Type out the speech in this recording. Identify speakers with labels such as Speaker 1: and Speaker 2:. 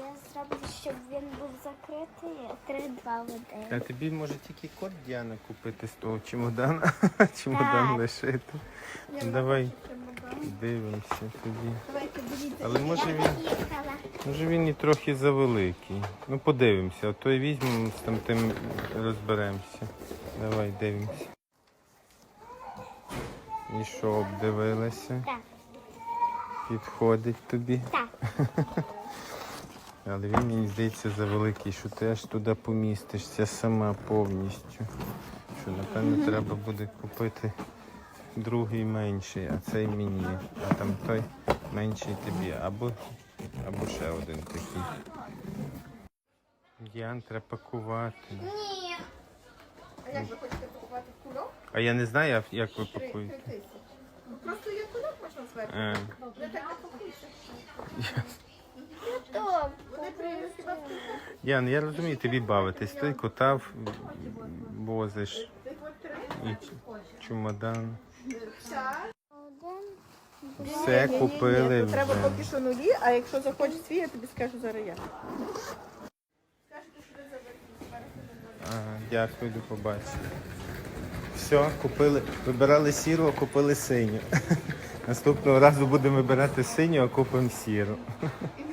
Speaker 1: зроблю, щоб він був закритий 3-2 в
Speaker 2: А
Speaker 1: один.
Speaker 2: тобі може тільки кот Діана купити з того чемодана? Чемодан
Speaker 1: Так.
Speaker 2: лишити. Давай дивимося тоді.
Speaker 3: Давайте беріть.
Speaker 2: Але може
Speaker 1: Я
Speaker 2: він,
Speaker 1: поїхала.
Speaker 2: може він і трохи завеликий. Ну подивимося, а то й візьмемо, з тим розберемося. Давай дивимося. І що, обдивилася?
Speaker 1: Так.
Speaker 2: Підходить тобі.
Speaker 1: Так.
Speaker 2: Але він, мені здається, завеликий, що ти аж туди помістишся сама повністю. Що, напевно, треба буде купити другий менший, а цей мені. А там той менший тобі. Або ще один такий. Діан, треба пакувати.
Speaker 1: Ні.
Speaker 3: А як ви хочете купувати кульок?
Speaker 2: А я не знаю, як ви пакуєте.
Speaker 3: 3000. Просто є кульок можна зверху. Не так не пакуйся.
Speaker 1: Добре.
Speaker 3: Вони приїдуть хіба в кульок.
Speaker 2: Ян, я розумію, тобі бавитись. Ти кота возиш і чемодан. Все купили
Speaker 3: Ні, треба
Speaker 2: вже.
Speaker 3: поки що нулі, а якщо захочеш свій, я тобі скажу зараз я.
Speaker 2: Ага, дякую, до побачення. Все, купили, вибирали сіру, а купили синю. Наступного разу будемо вибирати синю, а купимо сіру.
Speaker 3: І